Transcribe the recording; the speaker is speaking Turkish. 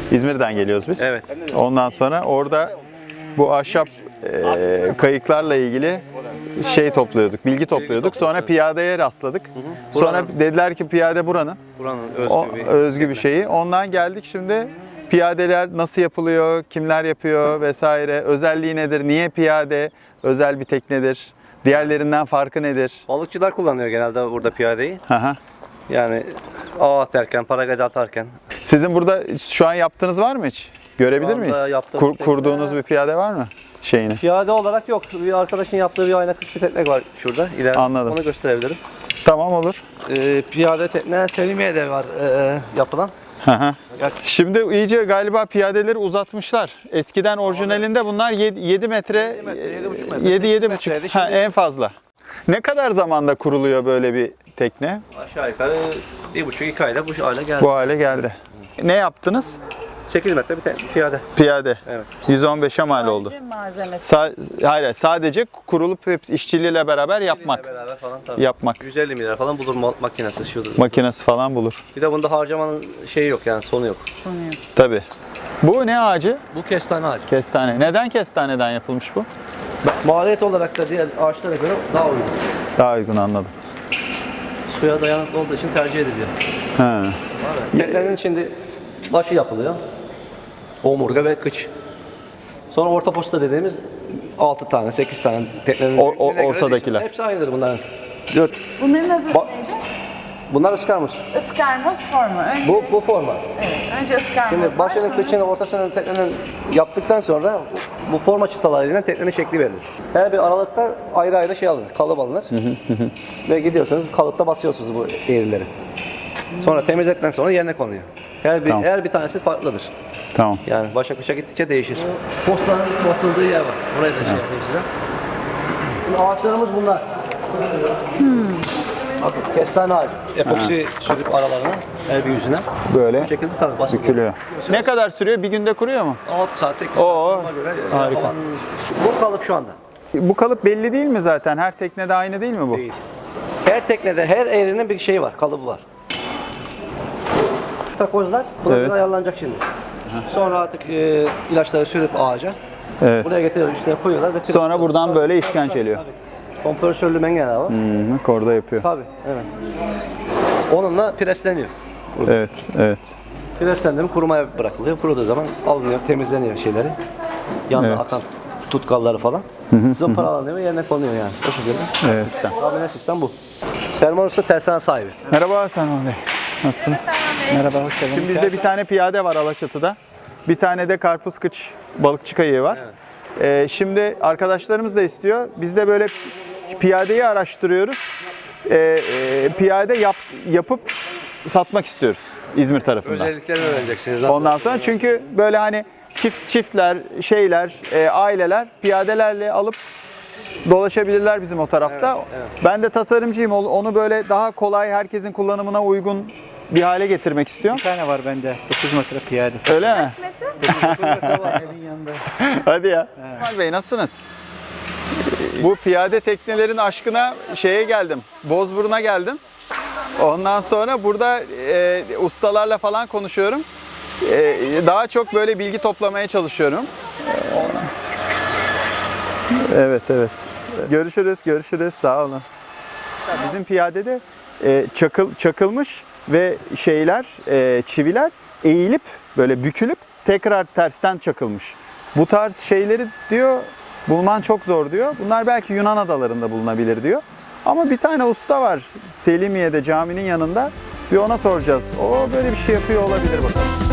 İzmir'den geliyoruz biz. Evet. Ondan sonra orada bu ahşap kayıklarla ilgili topluyorduk, bilgi topluyorduk. Sonra piyadeye rastladık. Sonra dediler ki piyade buranın özgü bir şeyi. Ondan geldik şimdi. Piyadeler nasıl yapılıyor, kimler yapıyor vesaire, özelliği nedir, niye piyade özel bir teknedir, diğerlerinden farkı nedir? Balıkçılar kullanıyor genelde burada piyadeyi. Aha. Yani ağ atarken, paragada atarken. Sizin burada şu an yaptığınız var mı hiç? Görebilir Şu anda miyiz? yaptığımız Kurduğunuz bir piyade var mı? Şeyini. Piyade olarak yok. Bir arkadaşın yaptığı bir ayna kış bir tekne var şurada. İleride. Anladım. Onu gösterebilirim. Tamam, olur. Piyade tekne Selimiye'de var yapılan. Aha. Şimdi iyice galiba piyadeleri uzatmışlar. Eskiden orijinalinde bunlar 7 metre, 7,5 metre. En fazla. Ne kadar zamanda kuruluyor böyle bir tekne? Aşağı yukarı 1,5-2 ayda bu hale geldi. Bu hale geldi. Ne yaptınız? 8 metre bir piyade. Piyade. Evet. 115'e mal oldu. Malzemesi. Hayır, sadece kurulup hepsi işçiliğiyle beraber yapmak. Beraber falan tabii. Yapmak. 150 milyar falan bulur makinesi şudur. Makinesi falan bulur. Bir de bunda harcamanın şeyi yok yani sonu yok. Sunuyor. Tabii. Bu ne ağacı? Bu kestane ağacı. Kestane. Neden kestaneden yapılmış bu? Maliyet olarak da diğer ağaçlara göre daha uygun. Daha uygun, anladım. Suya dayanıklı olduğu için tercih ediliyor. Ha. Teknenin şimdi başı yapılıyor. Omurga ve kıç. Sonra orta posta dediğimiz 6 tane, 8 tane teknenin ortadakiler. hepsi aynıdır bunların. 4. Bunların adı Ba- neydi? Bunlar ıskarmış. Iskarmoz forma. Önce, Bu forma. evet, önce ıskarmoz Şimdi var, başını, sonra- kıçını, ortasını teknenin yaptıktan sonra bu forma çıtalarıyla teknenin şekli verilir. Her bir aralıkta ayrı ayrı şey alınır, kalıp alınır. Ve gidiyorsunuz kalıpta basıyorsunuz bu eğrileri. Sonra temizledikten sonra yerine konuyor. Tamam. Her bir tanesi farklıdır. Tamam. Yani başa kışa gittikçe değişir. Postların basıldığı yer var. Orayı da şey yapayım size. Şimdi ağaçlarımız bunlar. Bakın kestane ağacı. Epoksi sürüp aralarına, her bir yüzüne. Böyle Bu şekilde tabii basılıyor. bükülüyor. Ne kadar sürüyor? Bir günde kuruyor mu? 6 saat, 8 Oo, saat. Ona göre harika. falan. Bu kalıp şu anda. Bu kalıp belli değil mi zaten? Her teknede aynı değil mi bu? Değil. Her teknede, her eğrinin bir şeyi var, kalıbı var. Takozlar buna Evet. göre ayarlanacak şimdi. Sonra artık ilaçları sürüp ağaca. Evet. Buraya getiriyorlar, üstüne koyuyorlar. Ve Sonra buradan böyle işkenceliyor. kompresörlü mengeler var. Bak orada yapıyor. Tabii, evet. Onunla presleniyor. Evet, evet. Preslendirip kurumaya bırakılıyor. Kuruduğu zaman alınıyor, temizleniyor şeyleri. Yanına Evet. atan tutkalları falan. Zımparalanıyor ve yerine konuyor yani. O şekilde. Evet. Tahminen sistem bu. Selman Usta tersane sahibi. Merhaba Selman Bey. Nasılsınız? Merhaba, hoş geldiniz. Şimdi bizde bir tane piyade var Alaçatı'da. Bir tane de karpuz kıç balıkçı kayığı var. Şimdi arkadaşlarımız da istiyor. Biz de böyle piyadeyi araştırıyoruz. Piyade yapıp satmak istiyoruz İzmir tarafından. Özelliklerini öğreneceksiniz. Nasıl? Ondan sonra çünkü böyle hani çiftler, aileler piyadelerle alıp dolaşabilirler bizim o tarafta. Ben de tasarımcıyım. Onu böyle daha kolay, herkesin kullanımına uygun bir hale getirmek istiyorum. Bir tane var bende, 9 metre piyadesi. Öyle mi? Metre? Evin yanında. Hadi ya. Kemal Bey, nasılsınız? Bu piyade teknelerin aşkına geldim. Bozburun'a geldim. Ondan sonra burada ustalarla falan konuşuyorum. Daha çok böyle bilgi toplamaya çalışıyorum. Evet. Görüşürüz. Sağ olun. Bizim piyadede çakılmış ve çiviler eğilip böyle bükülüp tekrar tersten çakılmış. Bu tarz şeyleri diyor bulman çok zor diyor. Bunlar belki Yunan adalarında bulunabilir diyor. Ama bir tane usta var Selimiye'de caminin yanında. Bir ona soracağız. O böyle bir şey yapıyor olabilir bakalım.